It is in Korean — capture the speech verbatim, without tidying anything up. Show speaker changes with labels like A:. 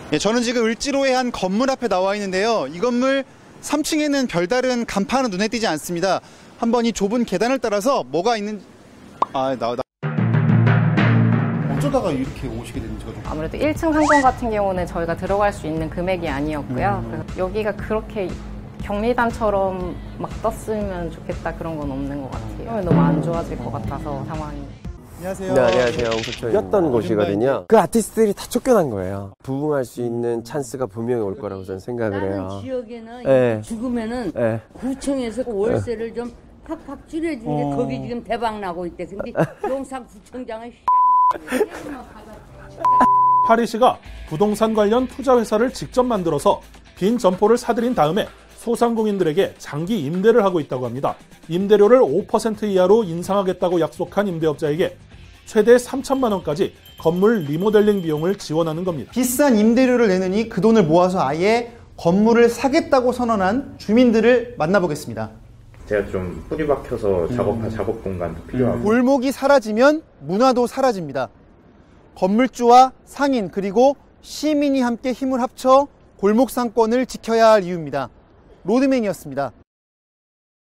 A: 예, 저는 지금 을지로의 한 건물 앞에 나와 있는데요. 이 건물 삼 층에는 별다른 간판은 눈에 띄지 않습니다. 한번 이 좁은 계단을 따라서 뭐가 있는지... 아, 나, 나... 어쩌다가 이렇게 오시게 됐는지가 좀...
B: 아무래도 일 층 상권 같은 경우는 저희가 들어갈 수 있는 금액이 아니었고요.
A: 음.
B: 그래서 여기가 그렇게 경리단처럼 막 떴으면 좋겠다 그런 건 없는 것 같아요. 너무 안 좋아질 것 같아서 상황이.
A: 안녕하세요.
C: 네, 안녕하세요. 였던 곳이거든요. 그 아티스트들이 다 쫓겨난 거예요. 부흥할 수 있는 찬스가 분명히 올 거라고 저는 생각을 해요.
D: 다른 지역에는
C: 네.
D: 죽으면은
C: 네.
D: 구청에서 월세를 좀 팍팍 줄여주는 게
A: 어.
D: 거기 지금 대박 나고 있대. 근데 용산구청장은
E: 파리시가 부동산 관련 투자 회사를 직접 만들어서 빈 점포를 사들인 다음에 소상공인들에게 장기 임대를 하고 있다고 합니다. 임대료를 오 퍼센트 이하로 인상하겠다고 약속한 임대업자에게 최대 삼천만 원까지 건물 리모델링 비용을 지원하는 겁니다.
A: 비싼 임대료를 내느니 그 돈을 모아서 아예 건물을 사겠다고 선언한 주민들을 만나보겠습니다.
F: 제가 좀 뿌리 박혀서 작업할 작업 공간도 필요하고.
A: 골목이 사라지면 문화도 사라집니다. 건물주와 상인 그리고 시민이 함께 힘을 합쳐 골목 상권을 지켜야 할 이유입니다. 로드맨이었습니다.